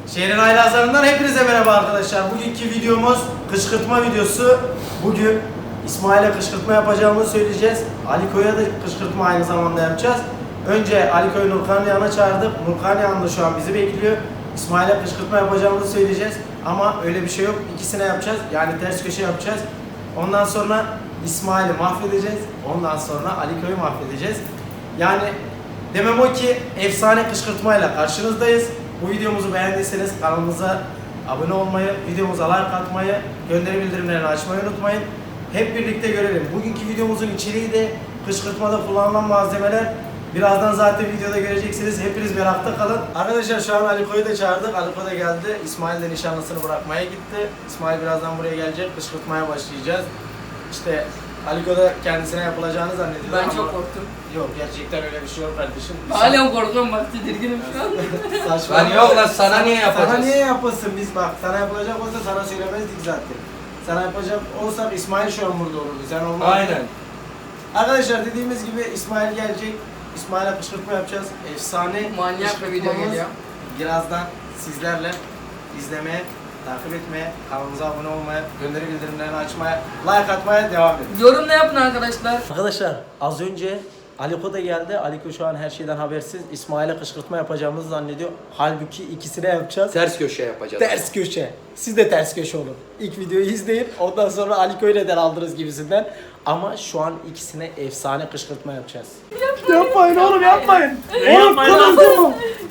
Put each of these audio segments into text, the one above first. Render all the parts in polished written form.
Şehrin haylazlarından hepinize merhaba arkadaşlar. Bugünkü videomuz kışkırtma videosu. Bugün İsmail'e kışkırtma yapacağımızı söyleyeceğiz. Aliko'ya da kışkırtma aynı zamanda yapacağız. Önce Aliko'yu Nurkan'ın yanına çağırdık. Nurkan yanında şu an bizi bekliyor. İsmail'e kışkırtma yapacağımızı söyleyeceğiz. Ama öyle bir şey yok. İkisine yapacağız. Yani ters köşe yapacağız. Ondan sonra İsmail'i mahvedeceğiz. Ondan sonra Aliko'yu mahvedeceğiz. Yani demem o ki efsane kışkırtmayla karşınızdayız. Bu videomuzu beğendiyseniz kanalımıza abone olmayı, videomuza like atmayı, gönderi bildirimlerini açmayı unutmayın. Hep birlikte görelim. Bugünkü videomuzun içeriği de kışkırtmada kullanılan malzemeler. Birazdan zaten videoda göreceksiniz. Hepiniz merakta kalın. Arkadaşlar şu an Aliko'yu da çağırdık. Aliko da geldi. İsmail de nişanlısını bırakmaya gitti. İsmail birazdan buraya gelecek. Kışkırtmaya başlayacağız. İşte Aliko da kendisine yapılacağını zannediyor. Ben çok korktum. Yok, gerçekten öyle bir şey yok kardeşim. Hala korkuyorum, bak tedirginim şu an. Saçma. Lan yok lan, sana niye yapacağız? Sana niye yapılsın biz bak. Sana yapılacak olsa sana söylemezdik zaten. Sana yapacak olsak İsmail şu an burada olurdu. Sen olmazdın. Aynen. Arkadaşlar dediğimiz gibi İsmail gelecek. İsmail'e kışkırtma yapacağız. Efsane Manyak bir video kışkırtmamız. geliyor. Birazdan sizlerle izlemeye, takip etmeye, kanalımıza abone olmaya, gönderi bildirimlerini açmaya, like atmaya devam edin. Yorum ne yapın arkadaşlar? Arkadaşlar az önce Aliko da geldi. Aliko şu an her şeyden habersiz. İsmail'e kışkırtma yapacağımızı zannediyor. Halbuki ikisine yapacağız. Ters köşe yapacağız. Ters köşe. Siz de ters köşe olun. İlk videoyu izleyin. Ondan sonra Aliko'yu neden aldınız gibisinden. Ama şu an ikisine efsane kışkırtma yapacağız. Yapmayın oğlum, yapmayın. Oğlum kırıldı.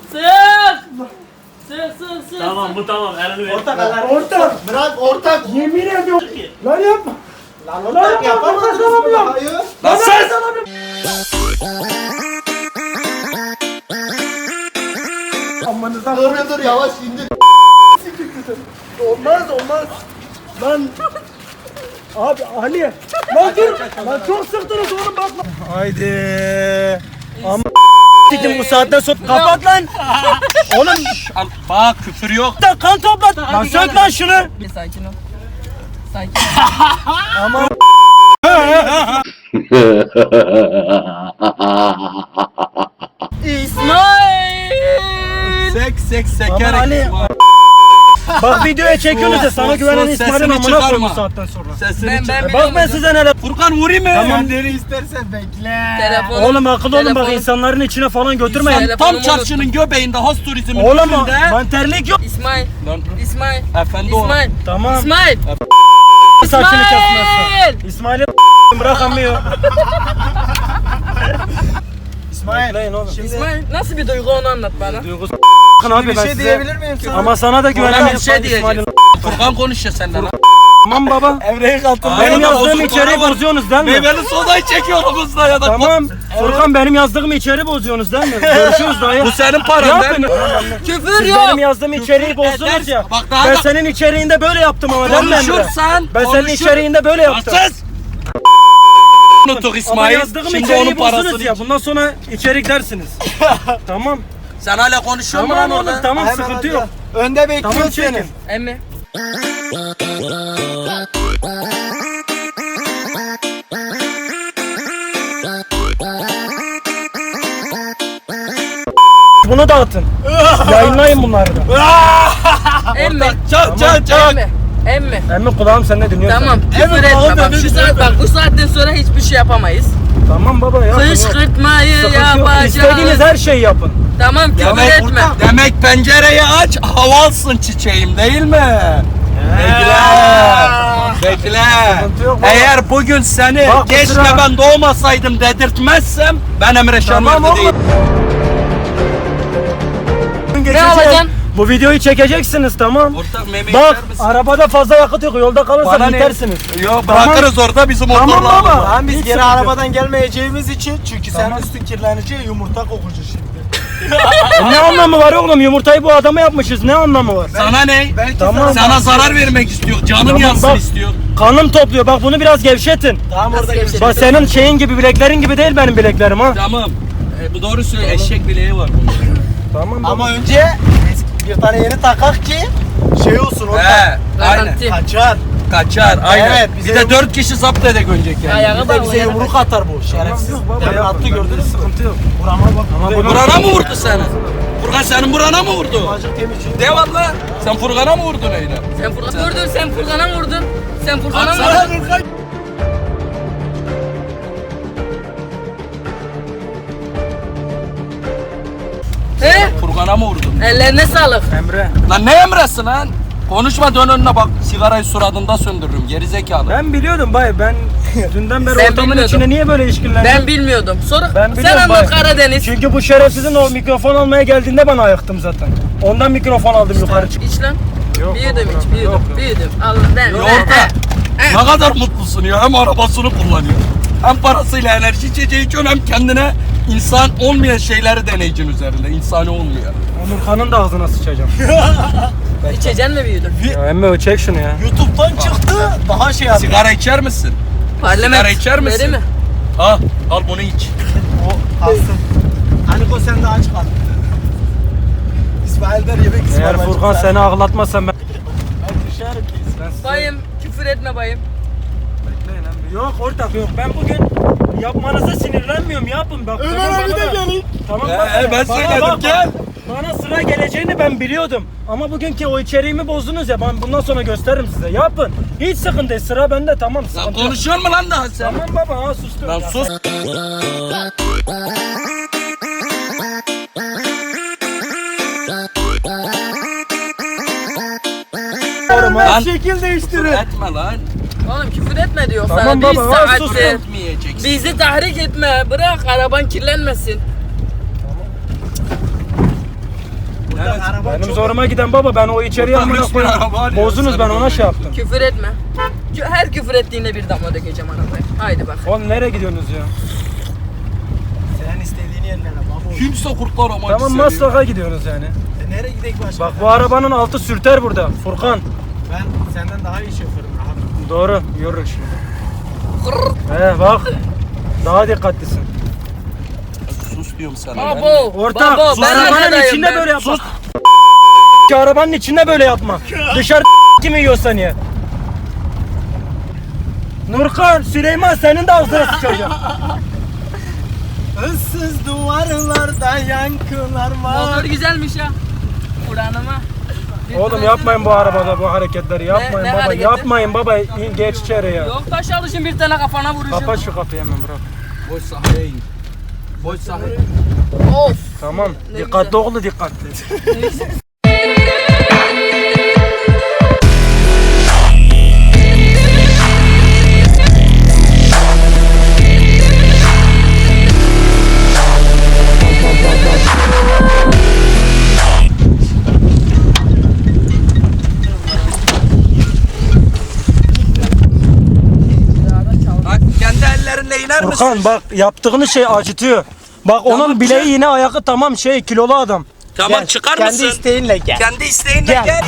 Sık. Tamam bu tamam, elini ver. Ortak. Bırak ortak. Yemin ediyorum. Lan yapma. Lan ortak yapamazsınız bunu. Hayır. Lan sen! Amanızdan. Dur yavaş indir. Olmaz. Lan. Abi Ali. Lan dur. Lan çok sıktınız oğlum, bakma. Haydi. Ama bu saatten sonra kapat lan. Oğlum Bak küfür yok. da kan toplat. Lan sök lan şunu. Bir sakin ol. Sakin Ama İsmail! Sek Ama sekerek. Ali. Bak videoya çekiyorsunuz ya, sana güvenen İsmail'in amına koyun bu saatten sonra. Sesini Ben çıkar. Bak ben size neler. Furkan vurayım mı? Tamam. Deri istersen bekle. Telefonum. Oğlum akıllı olun, bak Telefonum- insanların içine falan götürmeyin. Telefonum Tam çarşının göbeğinde, has turizmin Oğlum önünde. ben terlik yok. İsmail. Lan, İsmail. efendi ol. İsmail. Tamam. İsmail. Saçını kesmezsin. İsmail'i bırakamıyor. İsmail. Bekleyin oğlum. İsmail nasıl bir duygu, onu anlat bana. Duygusu abi, ben size... miyim sana? Ama sana da Furkan güvenemiyorum. bir şey diyecek. İsmail'in. Furkan konuşuyor senden. Tamam baba. Evreyi kalktın. Benim yazdığım içeriği bozuyorsunuz değil mi? Meyveli sodayı çekiyoruz da ya da. Tamam. Furkan benim yazdığım içeriği bozuyorsunuz değil mi? Görüşürüz dayı. Bu senin paran değil mi? Küfür Siz yok. benim yazdığım içeriği bozdunuz ya. Bak daha Ben da senin içeriğinde böyle yaptım ama değil mi Emre? konuşursan. Ben senin içeriğinde böyle yaptım. Sus! Unutuk Ama İsmail. yazdığım Şimdi içeriği onun parasını bozdunuz ya. Bundan sonra içerik dersiniz. Tamam. Sen hala konuşuyor musun Tamam lan oğlum, orada? tamam, sıkıntı yok. Önde bekliyor Tamam, çekin. Emmi. Bunu dağıtın. Yayınlayın bunları da. Emmi. Çak. Emmi. Emmi. Emmi kulağım sende dinliyor. Tamam, seni. küfür etme. Bak bu saatten sonra hiçbir şey yapamayız. Tamam baba ya. Kışkırtmayı İstediğiniz yapacağız. her şeyi yapın. Tamam, küfür etme. Demek pencereyi aç, hava alsın çiçeğim değil mi? Bekle. Bekle. Sıkıntı yok baba. Eğer bugün seni Bak, keşke kusura- ben doğmasaydım dedirtmezsem ben Emre Tamam Şanlıurfa oğlum. değilim. Geçecek. alacaksın? Bu videoyu çekeceksiniz, tamam. Ortak meme Bak içer misin? arabada fazla yakıt yok, yolda kalırsa Bana ne? bitersiniz. Yok Tamam. bırakırız orada bizim Tamam motorla. baba. Tamam biz Hiç geri sıkıntı yok. arabadan gelmeyeceğimiz için, çünkü Tamam. sen üstün kirlenince yumurta kokucu şimdi. Ne anlamı var oğlum? Yumurtayı bu adama yapmışız. Ne anlamı var? Sana ne? Tamam. Sana zarar vermek istiyor. Canım Tamam, yansın bak. istiyor. Kanım topluyor. Bak bunu biraz gevşetin. Tamam orada Nasıl geçelim. Bak senin şeyin gibi, bileklerin gibi değil benim bileklerim ha. Tamam. Bu doğru söylüyor. Eşek bileği var bunun. Tamam baba. Ama önce bir tane yeni takak ki şey olsun orada. He. Aynen. Garanti. Kaçar. Kaçar. Aynen. Evet, Bir bize de 4 kişi zapt ede görecek yani. Ayağı Bir de bize yumruk atar bu şerefsiz. Yok baba, Demin yapın. attı gördünüz mü? Sıkıntı yok. Burama bak. Ama bunu- Burana mı vurdu seni? Furkan senin burana mı vurdu? Acık temizliği. De valla. Sen Furkan'a mı vurdun öyle? Sen Furkan vurdun, sen Furkan'a mı vurdun? Sen Furkan'a mı Atsana vurdun? Furkan. He? Furkan'a mı vurdun? Ellerine sağlık. Emre. Lan ne emresin lan? Konuşma dön önüne bak. Sigarayı suratında söndürürüm. Geri zekalı. Ben biliyordum bay. Ben dünden beri Sen ortamın bilmiyordun. içine niye böyle işkillendin? Ben bilmiyordum. Sonra Ben sen biliyorum anlat bay. Karadeniz. Çünkü bu şerefsizin o mikrofon almaya geldiğinde ben ayıktım zaten. Ondan mikrofon aldım yukarı çıktım. İç lan. Yok, Bir yudum yok, iç, bir yok, yudum, yok. bir yudum. Allah ben. Orta. Ne kadar mutlusun ya. Hem arabasını kullanıyor. Hem parasıyla enerji içeceği içiyor hem kendine insan olmayan şeyleri deneyicin üzerinde. İnsani olmuyor. Nurkan'ın da ağzına sıçacağım. İçeceksin mi bir yudum? Ya Emre çek şunu ya. YouTube'dan çıktı. Daha şey yaptı. Sigara içer misin? Parlament. Sigara içer misin? Veri mi? Al bunu iç. O kalsın. Aniko sen de aç kal. İsmail'den yemek Eğer ısmarlayacak. Furkan seni ağlatmazsa ben... Ben düşerim ki. Bayım, küfür etme bayım. Yok ortak yok. Ben bugün yapmanıza sinirlenmiyorum. Yapın bak. Ömer tamam, abi bana de da- gelin. Tamam Ben bana söyledim bak, gel. Bana sıra geleceğini ben biliyordum. Ama bugünkü o içeriğimi bozdunuz ya. Ben bundan sonra gösteririm size. Yapın. Hiç sıkıntı değil. Sıra bende tamam. Lan Sıkıntı yok. konuşuyor mu lan daha sen? Tamam baba ha sustum. Lan Ya. sus. Lan Şekil değiştirin. etme lan. Oğlum küfür etme diyor Tamam sana. baba, Bir ha, saattir. sus. Etmeyeceksin. Bizi tahrik etme. Bırak araban kirlenmesin. Buradan araba Benim çok... zoruma giden baba ben o içeriği Buradan amına hiçbir araba koyayım. alıyor, Bozdunuz sen ben ona böyle. şey yaptım. Küfür etme. Her küfür ettiğinde bir damla dökeceğim arabaya. Haydi bak. Oğlum nereye gidiyorsunuz ya? Senin istediğin yerlere baba. Kimse kurtlar amacı Tamam seviyor. Maslak'a gidiyorsunuz yani. Nereye gidelim başka? Bak bu arabanın altı sürter burada. Furkan. Ben senden daha iyi şoförüm abi. Doğru. Yürü şimdi. Bak. Daha dikkatlisin. Sus diyorum sana. Babo. Ortak. Babo, Sus. ben Arabanın arkadayım, içinde ben. böyle yapma. Ki arabanın içinde böyle yapma. Dışarı kimi yiyorsan ye. Nurkan, Süleyman senin de ağzına sıçacağım. Issız duvarlarda yankılar var. Motor güzelmiş ya. Buranıma. Oğlum yapmayın bu arabada bu hareketleri. Yapmayın ne baba. hareketi? Yapmayın baba. Geç içeri ya. Yok taş alışın bir tane kafana vuracağım. Kapat şu kapıyı hemen bırak. Boş sahaya in. Boş sahaya. Of. Tamam. Ne Dikkatli güzel. oğlu dikkatli. Bak kendi ellerinle iner misin? Furkan bak yaptığınız şey acıtıyor. Bak onun bileği yine ayağı tamam şey kilolu adam. Tamam çıkar Kendi mısın? isteğinle gel. Kendi isteğinle Gel. gel.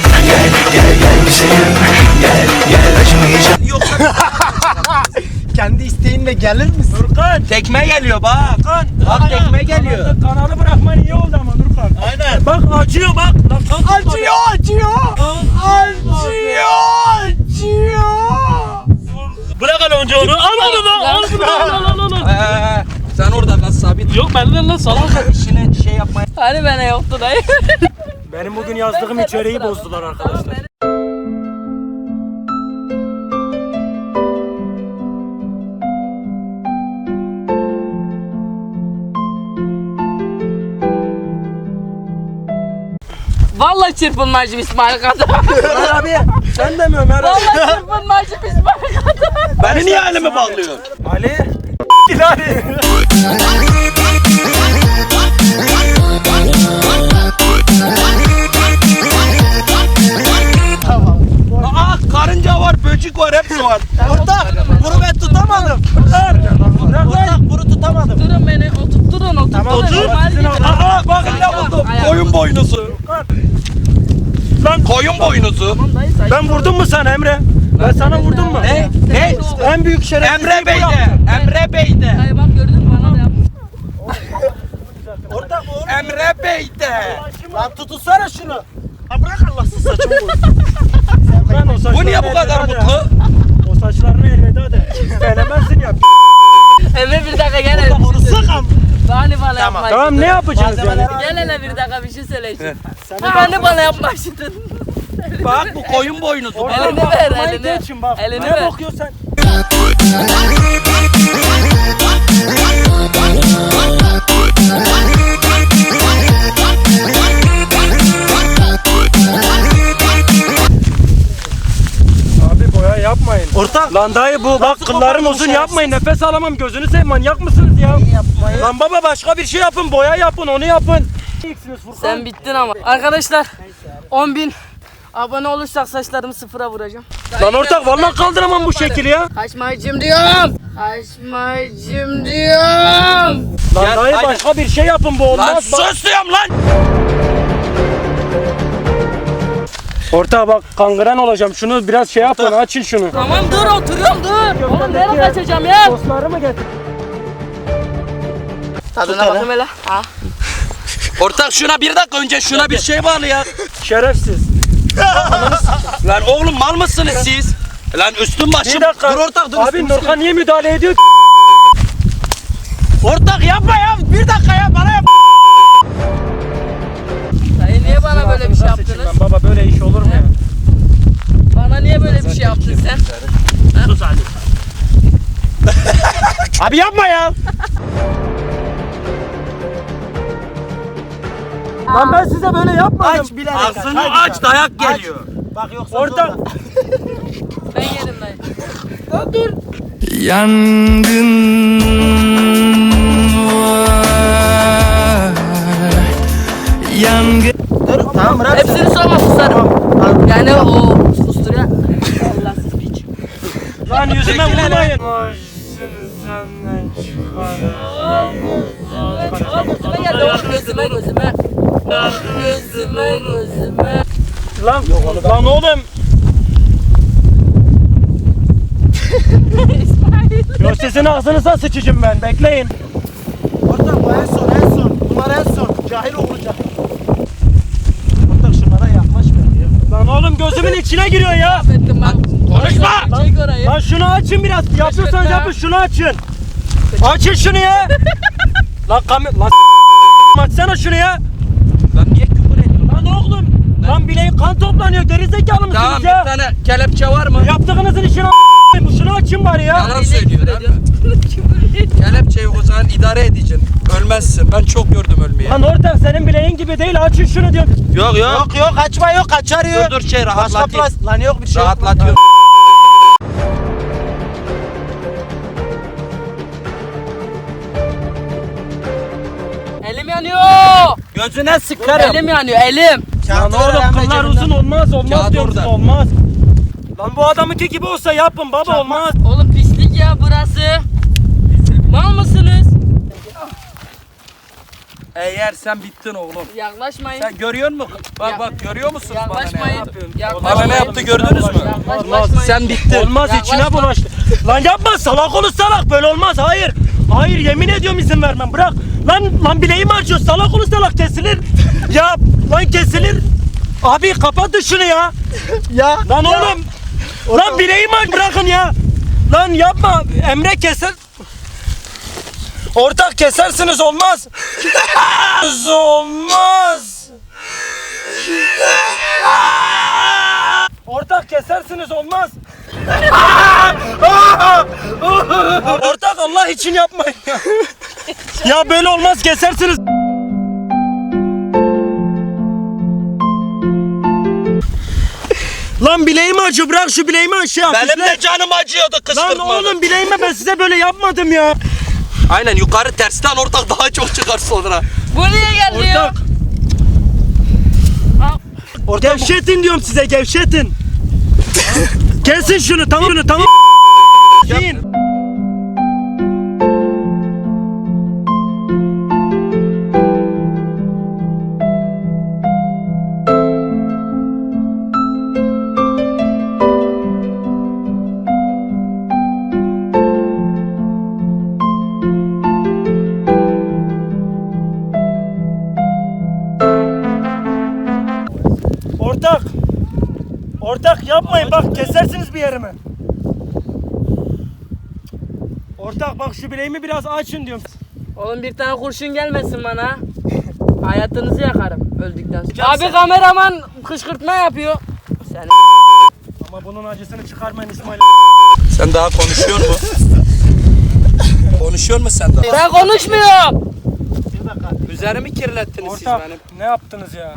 Yoksa Kendi isteğinle gelir misin? Furkan. tekme geliyor bak. Bak tekme geliyor. Kanalı bırakman iyi oldu ama Nurkan. Aynen. Bak acıyor bak. Lan kalk, Acıyor, acıyor. Acıyor, acıyor. Bırak hele önce onu. Al onu da. Al bunu al. Sen orada kal sabit. Yok benden lan salak. İşini şey yapmaya. Hani bana yoktu dayı. Benim bugün yazdığım içeriği bozdular arkadaşlar. Vallahi çırpınmacım İsmail kadar. Ömer abi sen de mi Ömer abi? Vallahi çırpınmacım İsmail kadar. Beni niye elime bağlıyorsun? Ali. Ali. Aa karınca var, böcek var, hepsi var. Ortak, bunu ben tutamadım. Ortak, bunu tutamadım. Durun beni, oturtturun. Tamam, otur. İsmail Sizin gibi. Aa bak ne Tamam, buldum. ayağım. Koyun boynuzu. Lan Koyun boynuzu. Tamam dayı sakin. ben vurdum mu sana Emre? Ben sana vurdum mu? Ne? Ne? En büyük şerefsizliği Emre bu Bey'de. yaptın. Emre Bey'de. Dayı bak gördün mü bana da yaptın. Ortak oğlum. Emre Bey'de. Lan tutunsana şunu. Ha bırak Allah'sız saçımı vur. Lan o Bu saçlarını niye bu kadar elveda de. mutlu? O saçlarını elveda de. Söylemezsin ya. Emre bir dakika gel. Onu sıkam. Bana yapma. Tamam ne yapacaksınız yani? Malzemeler- Gel hele bir dakika bir şey söyleyeceğim. Hani bana yapma şimdi. Bak bu koyun boynuzu. Ortak Elini bak, ver, kafayı elini. geçin bak. Elini Ne ver. bakıyorsun sen? Abi boya yapmayın. Ortak. Lan dayı bu bak kıllarım koparmış uzun ya? yapmayın, nefes alamam, gözünü seveyim, manyak mısınız ya? Lan baba başka bir şey yapın, boya yapın, onu yapın. Sen bittin ama. Arkadaşlar 10.000 abone olursak saçlarımı sıfıra vuracağım. Lan ortak vallahi kaldıramam bu şekli ya. Kaçmayacağım diyorum. Kaçmayacağım diyorum. Lan Gel, dayı haydi. başka bir şey yapın, bu olmaz. Lan Bak- sus diyorum lan. Ortak bak kangren olacağım, şunu biraz şey yapın, açın şunu. Tamam dur oturuyorum dur. Oğlum nereye ya. kaçacağım ya? Sosları mı getir? Tadına bakayım hele. Ha. Ortak şuna bir dakika önce şuna bir şey bağlı ya. Şerefsiz. Lan oğlum mal mısınız siz? Lan üstün başım. Bir dakika. Dur ortak dur. Abi üstüm Nurkan niye müdahale ediyor? Ortak yapma ya. Bir dakika ya bana yap. Dayı niye bana böyle bir şey yaptınız? Lan baba böyle iş olur mu ya? Bana niye böyle bir şey yaptın sen? Sus Ali. Abi yapma ya. Lan ben size böyle yapmadım. Aç bilerek aç. Ağzını Hadi aç sen. dayak geliyor. Bak yoksa Ortak. zorla. Ben yerim dayı. Yangın var. Yangın. Dur tamam bırak. Hepsini sorma susarım. Tamam. Yani o kusturuyor. Allahsız piç. Lan yüzüme Çekil hele. vurmayın. Gözüme geldi oğlum gözüme. Gözüme. Lan oğlum. İsmail. Yo sizin ağzınıza sıçacağım ben, bekleyin. Ortak bu en son en son. Bunlar en son. Cahil olacak. Ortak şunlara yaklaşma. Lan oğlum gözümün içine giriyor ya. Ettim ben. Konuşma. Çek orayı. Lan şunu açın biraz. Yapıyorsanız Kaçırtma. yapın, şunu açın. Açın şunu ya. Lan lan açsana şunu ya. Lan niye küfür ediyorsun? Lan oğlum. Lan bileğin kan toplanıyor. Gerizekalı mısınız Tamam ya? bir tane kelepçe var mı? Yaptığınızın işini şunu açın bari ya. Yalan söylüyor değil mi? Kelepçe yok o zaman idare edeceksin. Ölmezsin. Ben çok gördüm ölmeyi. Lan ortak senin bileğin gibi değil, açın şunu diyorum. Yok yok. Yok yok kaçma yok kaçarıyor. Dur şey Başka rahatlatayım. plas. Lan yok bir şey yok. Rahatlatıyorum. Elim yanıyor. Gözüne sıkarım. Elim yanıyor elim. Lan Kağıtları oğlum hemen kıllar cebinden. uzun olmaz Kağıt diyorum size, orada. olmaz. Lan bu adamınki gibi olsa yapın baba, olmaz. Oğlum pislik ya burası. Mal mısınız? Eğer sen bittin oğlum. Yaklaşmayın. Sen görüyor musun? Bak bak görüyor musunuz bana ne Yaklaşmayın. yaptı? Yaklaşmayın. Bana ne yaptı gördünüz mü? Yaklaşmayın. Sen bittin. Olmaz, içine Yaklaşma. bulaştı. Lan yapma, salak olur salak, böyle olmaz, hayır. Hayır, yemin ediyorum izin vermem, bırak. Lan bileğim acıyor, salak olur salak, kesilir. Ya lan kesilir. Abi kapatın şunu ya. Ya. Lan oğlum. Lan bileğim acıyor, bırakın ya. Lan yapma, Emre keser. Ortak kesersiniz, olmaz. Olmaz. Ortak kesersiniz, olmaz. Ortak Allah için yapmayın ya. Ya böyle olmaz, kesersiniz. Lan bileğim acıyor, bırak şu bileğimi aşağı. Benim de canım acıyordu Lan kışkırtmadan. oğlum bileğime ben size böyle yapmadım ya. Aynen yukarı tersten ortak daha çok çıkar sonra. Bu niye geldi ya? Ortak. Gevşetin diyorum size, gevşetin. Kesin şunu, tamam. Yiyin. Ortak yapmayın, bak kesersiniz bir yerimi. Ortak bak şu bileğimi biraz açın diyorum. Oğlum bir tane kurşun gelmesin bana. Hayatınızı yakarım öldükten sonra. Abi kameraman kışkırtma yapıyor. Sen Ama bunun acısını çıkarmayın İsmail. Sen daha konuşuyor mu? Konuşuyor mu sen daha? ben konuşmuyorum. Üzerimi kirlettiniz siz Ortak benim. ne yaptınız ya?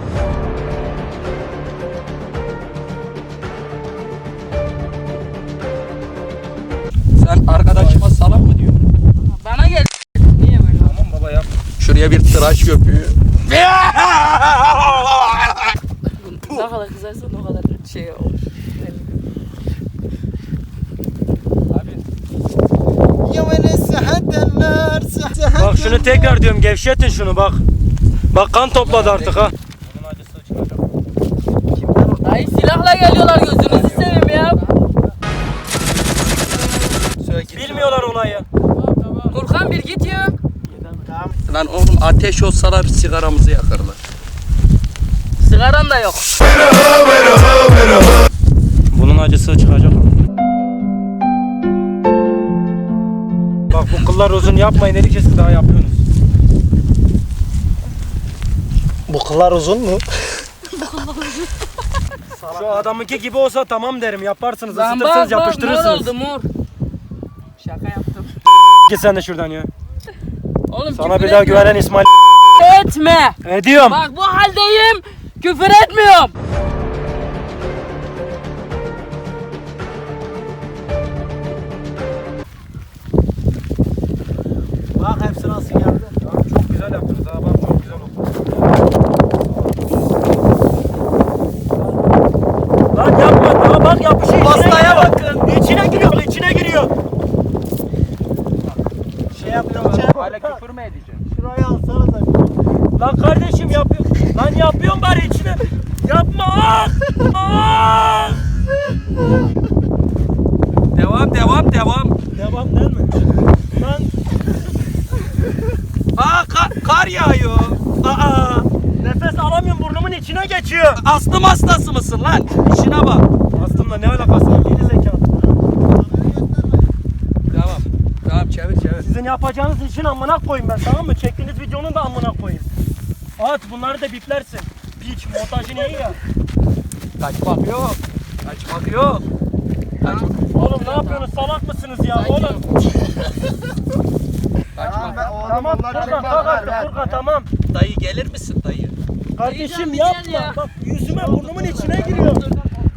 Sen arkadaşıma salak mı diyorsun? Bana gel. Niye böyle? Tamam baba yap. Şuraya bir tıraş köpüğü. Ne kadar kızarsan o kadar şey olur. Bak şunu tekrar diyorum gevşetin şunu bak. Bak kan topladı artık ha. Bunun acısı çıkacak. Dayı silahla geliyorlar gözünüzü seveyim ya. Bilmiyorlar olayı. Furkan bir git ya. Lan oğlum ateş olsalar sigaramızı yakarlar. Sigaran da yok. Bunun acısı çıkacak. Bak bu kıllar uzun yapmayın dedikçe siz daha yapıyorsunuz. Bu kıllar uzun mu? Şu adamınki gibi olsa tamam derim yaparsınız Lan ısıtırsınız bak mor yapıştırırsınız. oldu mor. Şaka yaptım. Git sen de şuradan ya. Oğlum Sana küfür bir daha etme. güvenen İsmail. Etme. Ediyorum. Bak bu haldeyim. Küfür etmiyorum. Bak hepsi nasıl geldi. Çok güzel yaptınız ha bak çok güzel oldu. Lan yapma daha bak yapışıyor. Pastaya bakın. İçine giriyor içine giriyor. Şey yapıyorum. Hala küfür mü edeceksin? Şurayı alsana da. Lan kardeşim yapıyor. Lan yapıyorum bari içine. Yapma. Ah! Devam. Devam değil mi? Lan Aa kar yağıyor. Aa nefes alamıyorum burnumun içine geçiyor. astım hastası mısın lan? İşine bak. Aslında ne alakası var geri zekalı. Tamam çevir. Sizin yapacağınız işin amına koyayım ben tamam mı? Çektiğiniz videonun da amına koyayım. At bunları da biplersin. Piç montajı iyi ya. Kaçmak yok. Oğlum ne yapıyorsunuz salak mısınız ya oğlum? Tamam Furkan kalk artık Furkan tamam. Dayı gelir misin dayı? Kardeşim bir gel yapma. ya. Bak yüzüme burnumun içine giriyor. Ses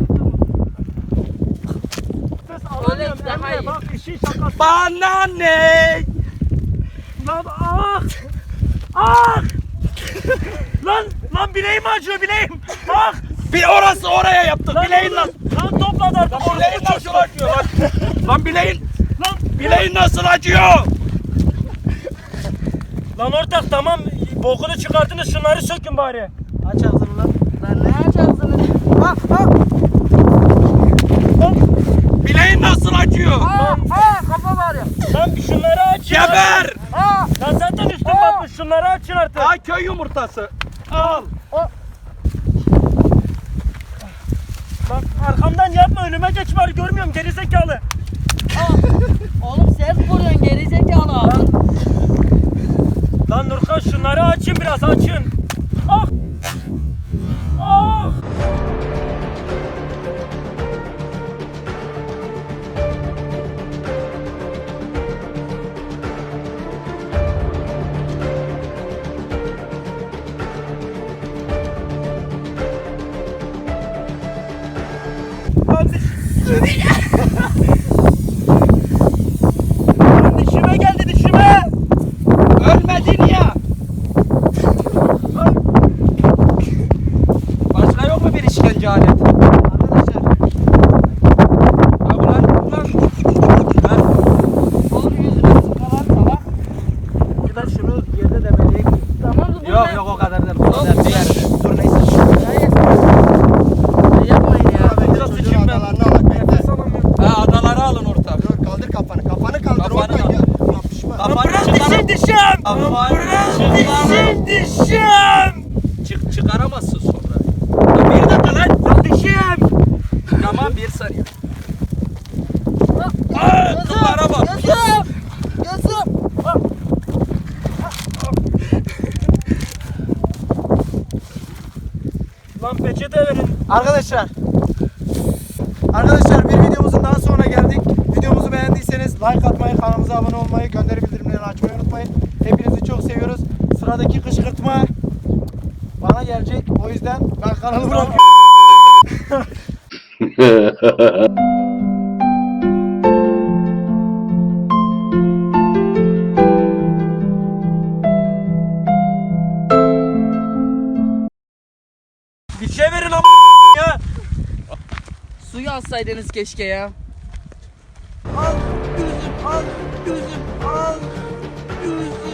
alamıyorum daha Emre iyi. bak işin şakası. Bana ne? Lan ah! Lan bileğim acıyor bileğim. Ah! Bir orası oraya yaptık. Bileğin lan. Lan topladı artık. Bileğin nasıl acıyor lan? Lan bileğin. Lan Bileğin nasıl acıyor? Lan ortak tamam bokunu çıkartınız şunları sökün bari. Aç ağzını lan. Lan ne açarsın? Bileğin nasıl acıyor? Kafa var ya. Lan şunları açın. Geber. Lan zaten üstüm batmış şunları açın artık. Aa köy yumurtası. Al. Bak arkamdan yapma önüme geç bari görmüyorum gerizekalı. Oğlum ses vuruyorsun gerizekalı. Lan Nurkan şunları açın biraz açın. Ah! Ah! Lan dişime geldi dişime. Ölmedin ya. Başka yok mu bir işkence aleti? Arkadaşlar. Ha ulan. Oğlum yüzüne sıkalar salak. Buradan şunu yerde demeleyek. Tamam dur. Yok o kadar değil. O kadar değil. Dur neyse. Yapmayın ya. Biraz sıçayım ben. Nefes alamıyorum. Ha adaları alın ortam. Kaldır kafanı. Kafanı kaldır Kafanı oradan kaldır. ya. Yapışma. Kafanı Bırak çıkar. dişim. Kafanı Dişim. çıkaramazsın sonra. Ya bir dakika lan. Lan dişim. Tamam bir saniye. Kıllara bak. Gözüm. Gözüm. Arkadaşlar bir videomuzun daha sonuna geldik. Videomuzu beğendiyseniz like atmayı, kanalımıza abone olmayı, gönderi bildirimlerini açmayı unutmayın. Hepinizi çok seviyoruz. Sıradaki kışkırtma bana gelecek. O yüzden ben kanalı bırakıyorum. Bir şey verin ya. Suyu alsaydınız keşke ya. Al gözüm, al gözüm, al gözüm.